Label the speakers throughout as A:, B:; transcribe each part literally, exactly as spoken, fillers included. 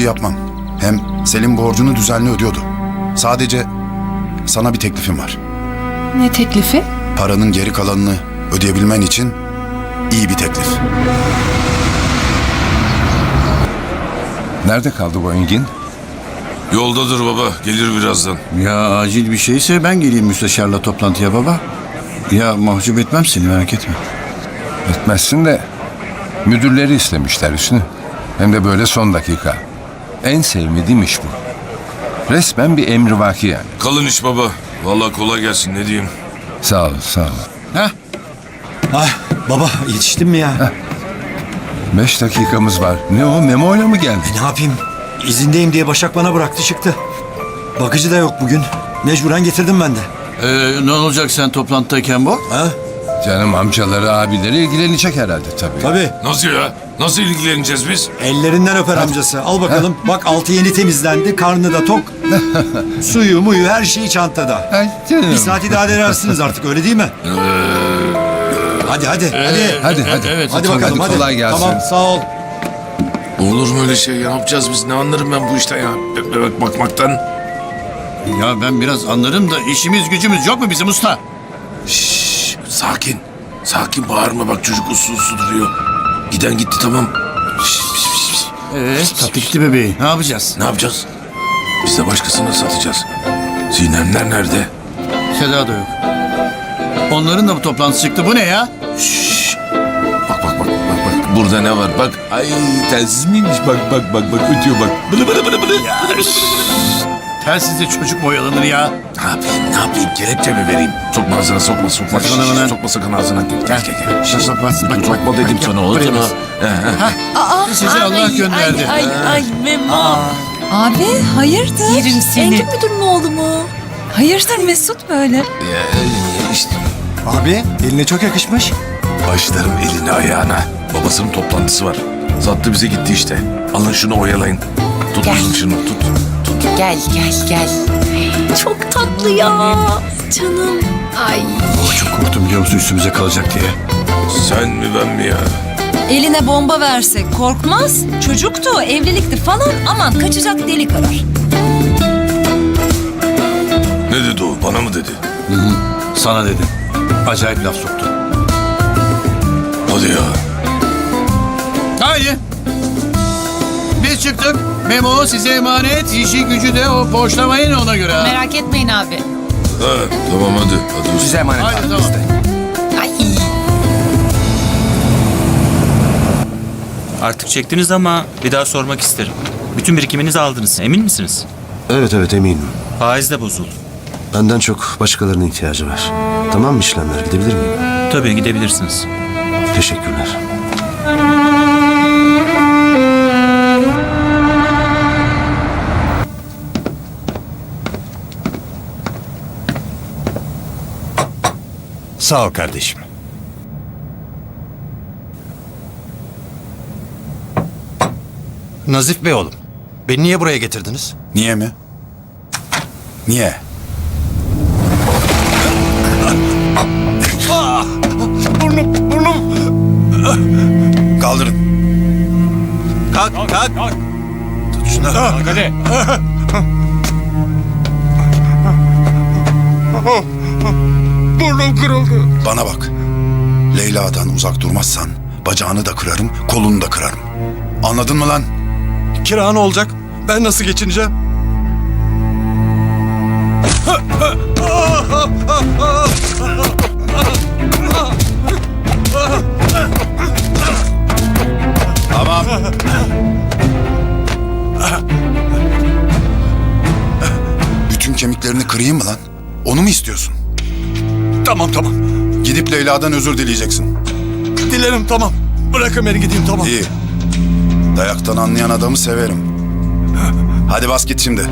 A: yapmam. Hem Selim borcunu düzenli ödüyordu. Sadece sana bir teklifim var.
B: Ne teklifi?
A: Paranın geri kalanını ödeyebilmen için iyi bir teklif.
C: Nerede kaldı bu Engin?
D: Yoldadır baba. Gelir birazdan.
E: Ya acil bir şeyse ben geleyim müsteşarla toplantıya baba. Ya mahcup etmem seni, merak etme.
C: Etmezsin de müdürleri istemişler Hüsnü. Hem de böyle son dakika. En sevmediğim iş bu. Resmen bir emrivaki yani.
D: Kalın iş baba. Vallahi kolay gelsin ne diyeyim.
C: Sağ ol, sağ ol.
E: Heh.
F: Ah baba, yetiştin mi ya?
C: Beş dakikamız var. Ne o, Memo'yla mı geldin?
F: E, ne yapayım? İzindeyim diye Başak bana bıraktı çıktı. Bakıcı da yok bugün. Mecburen getirdim ben de.
E: Ee, ne olacak sen toplantıdayken bu?
F: Ha?
C: Canım amcaları, abileri ilgilenecek herhalde tabii.
F: Tabii.
D: Nasıl ya? Nasıl ilgileneceğiz biz?
F: Ellerinden öper amcası. Al bakalım. Bak altı yeni temizlendi. Karnı da tok. Suyu muyu her şeyi çantada.
C: Ay canım.
F: Bir saat idare edersiniz artık, öyle değil mi? Hadi hadi hadi.
C: Hadi hadi.
E: Evet.
F: Hadi bakalım hadi.
C: Kolay gelsin.
F: Tamam, sağ ol.
D: Olur mu öyle şey? Ne yapacağız biz? Ne anlarım ben bu işten ya? Be- Bebek bakmaktan.
E: Ya ben biraz anlarım da işimiz gücümüz yok mu bizim usta?
D: Şşş, sakin. Sakin bağırma bak çocuk uslu uslu duruyor. Giden gitti tamam. Şşş, şş, şş, şş.
E: Ee, tatlı gitti bebeği. Ne yapacağız?
D: Ne yapacağız? Biz de başkasına satacağız. Sinemler nerede?
E: Seda da yok. Onların da bu toplantısı çıktı. Bu ne ya?
D: Şşş. Bak bak bak bak bak. Burada ne var? Bak. Ay telsiz miymiş? Bak bak bak bak ötüyor bak. Bılı bılı bılı bılı.
E: Ya telsizde çocuk mu oyalanır ya?
D: Ne yapayım? Ne yapayım? Kelepçe mi vereyim? Sokma ağzına sokma sokma.
E: Sakın
D: Şşş,
E: hemen.
D: Sokma sakın ağzına. Gel gel gel. gel. Şşş,
E: Bak, bak, bak,
D: Sokma
E: bak,
D: dedim
E: bak,
D: sana
E: bak,
D: oğlum.
E: buraya
D: Ha.
B: Aa,
E: Sizi Allah gönderdi.
B: Ay ay Memo.
G: Abi hayırdır?
B: Yerim seni.
G: Engin müdürün oğlu mu? Hayırdır Mesut böyle?
D: Ya, işte.
F: Abi eline çok yakışmış.
D: Başlarım eline ayağına. Babasının toplantısı var. Sattı bize gitti işte. Alın şunu oyalayın. Tut
G: Gel.
D: kızım şunu tut.
G: Gel gel gel. Çok tatlı ya. Canım. Ay.
E: Çok korktum biliyor musun üstümüze kalacak diye.
D: Sen mi ben mi ya?
G: Eline bomba versek korkmaz. Çocuktu, evlilikti falan. Aman kaçacak delik arar.
D: Ne dedi o? Bana mı dedi?
E: Sana dedim. Acayip laf soktu.
D: Hadi ya.
E: Haydi. Biz çıktık. Memo size emanet. İşi gücü de o boşlamayın ona göre. ha.
G: Merak etmeyin abi.
D: Ha, tamam hadi. Hadi usta.
C: emanet.
E: Haydi tamam.
G: Ay.
H: Artık çektiniz ama bir daha sormak isterim. Bütün birikiminizi aldınız. Emin misiniz?
I: Evet evet eminim.
H: Faiz de bozuldu.
I: Benden çok başkalarının ihtiyacı var. Tamam mı işlemler? Gidebilir miyim?
H: Tabii gidebilirsiniz.
I: Teşekkürler.
J: Sağ ol kardeşim. Nazif Bey oğlum, beni niye buraya getirdiniz?
A: Niye mi? Niye?
J: Burnum, burnum.
A: Kaldırın.
J: Kalk, kalk. Tut şunu. Kalk hadi. Burnum kırıldı.
A: Bana bak. Leyla'dan uzak durmazsan bacağını da kırarım, kolunu da kırarım. Anladın mı lan?
J: Kira ne olacak? Ben nasıl geçineceğim?
A: Tamam. Bütün kemiklerini kırayım mı lan? Onu mu istiyorsun?
J: Tamam tamam.
A: Gidip Leyla'dan özür dileyeceksin.
J: Dilerim tamam. Bırakın beni gideyim tamam.
A: İyi. Dayaktan anlayan adamı severim. Hadi bas git şimdi.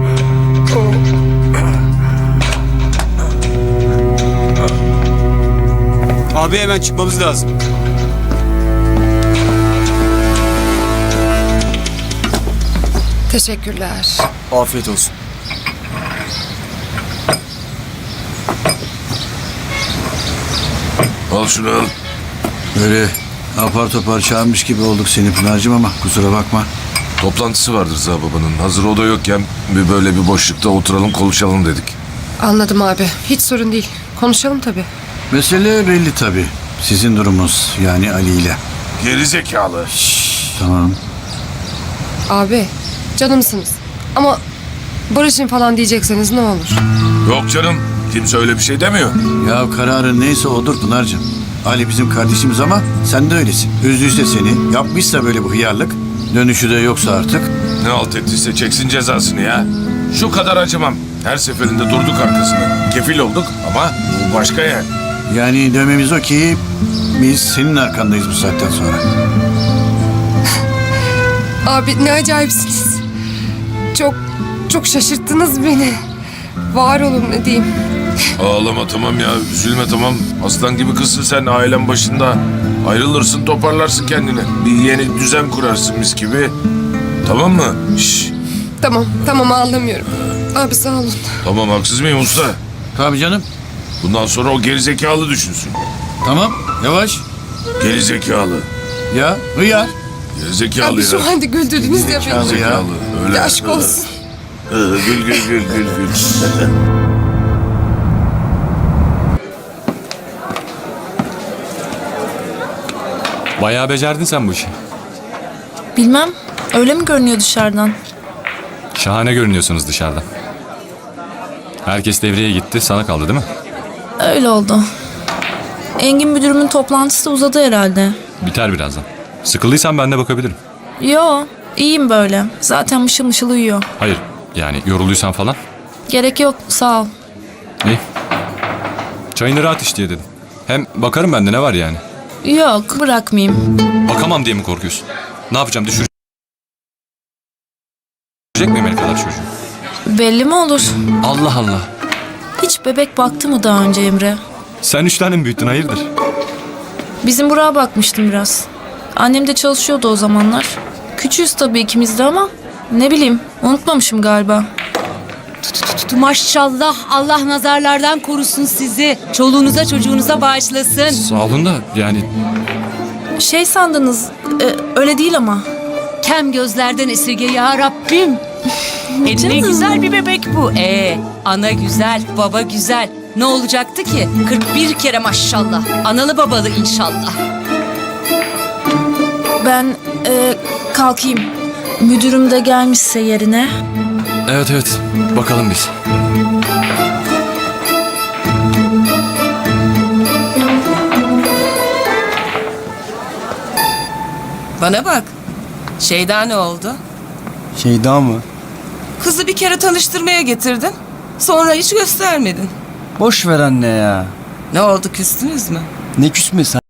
F: Abi hemen çıkmamız lazım.
B: Teşekkürler.
F: Afiyet olsun.
D: Al şunu al.
E: Böyle apar topar çağırmış gibi olduk seni Pınar'cığım ama kusura bakma.
D: Toplantısı vardır Rıza babanın. Hazır o da yokken bir böyle bir boşlukta oturalım konuşalım dedik.
B: Anladım abi. Hiç sorun değil. Konuşalım tabii.
E: Mesele belli tabii. Sizin durumunuz yani Ali ile.
D: Geri zekalı.
E: Tamam.
B: Abi canımsınız. Ama barışın falan diyecekseniz ne olur.
D: Yok canım. Kimse öyle bir şey demiyor.
E: Ya kararın neyse odur Pınar'cığım. Ali bizim kardeşimiz ama sen de öylesin. Üzdüyse seni, yapmışsa böyle bu hıyarlık, dönüşü de yoksa artık.
D: Ne alt ettiyse çeksin cezasını ya. Şu kadar acımam. Her seferinde durduk arkasında. Kefil olduk ama bu başka yani.
E: Yani dememiz o ki biz senin arkandayız bu saatten sonra.
B: Abi ne acayipsiniz. Çok çok şaşırttınız beni. Var olun ne diyeyim.
D: Ağlama tamam ya. Üzülme tamam. Aslan gibi kızsın sen ailen başında. Ayrılırsın toparlarsın kendini. Bir yeni düzen kurarsın mis gibi. Tamam mı? Şşş.
B: Tamam tamam ağlamıyorum. Abi sağ olun.
D: Tamam haksız mıyım usta?
E: Tabii canım.
D: Bundan sonra o gerizekalı düşünsün.
E: Tamam, yavaş.
D: Gerizekalı.
E: Ya, hıyar.
D: Gerizekalı
B: Abi
D: ya.
B: şu halde güldürdünüz ya beni.
D: Gerizekalı. Öyle.
B: Ya aşk olsun.
D: Hı, Gül gül gül gül gül.
K: Bayağı becerdin sen bu işi.
G: Bilmem. Öyle mi görünüyor dışarıdan?
K: Şahane görünüyorsunuz dışarıdan. Herkes devreye gitti, sana kaldı değil mi?
G: Öyle oldu. Engin müdürümün toplantısı uzadı herhalde.
K: Biter birazdan. Sıkıldıysan ben de bakabilirim.
G: Yo, iyiyim böyle. Zaten mışıl mışıl uyuyor.
K: Hayır, yani yorulduysan falan.
G: Gerek yok, sağ ol.
K: İyi. Çayını rahat iç diye dedim. Hem bakarım bende ne var yani.
G: Yok, bırakmayayım.
K: Bakamam diye mi korkuyorsun? Ne yapacağım, düşürecek miyim el kadar çocuğu?
G: Belli mi olur?
K: Allah Allah.
G: Hiç bebek baktı mı daha önce Emre?
K: Sen üç tane mi büyüttün, hayırdır?
G: Bizim Burak'a bakmıştım biraz. Annem de çalışıyordu o zamanlar. Küçüğüz tabii ikimiz de ama ne bileyim unutmamışım galiba.
L: Maşallah Allah nazarlardan korusun sizi. Çoluğunuza çocuğunuza bağışlasın.
K: Sağ olun da yani
G: Şey sandınız e, öyle değil ama.
L: Kem gözlerden esirge ya Rabbim. E ne
G: Canım.
L: güzel bir bebek bu. Ee, ana güzel, baba güzel. Ne olacaktı ki? kırk bir kere maşallah. Analı babalı inşallah.
G: Ben e, kalkayım. Müdürüm de gelmişse yerine.
K: evet evet bakalım biz.
L: Bana bak. Şeyda ne oldu?
J: Şeyda mı?
L: Kızı bir kere tanıştırmaya getirdin. Sonra hiç göstermedin.
J: Boş ver anne ya.
L: Ne oldu küstünüz mü?
J: Ne küsmesi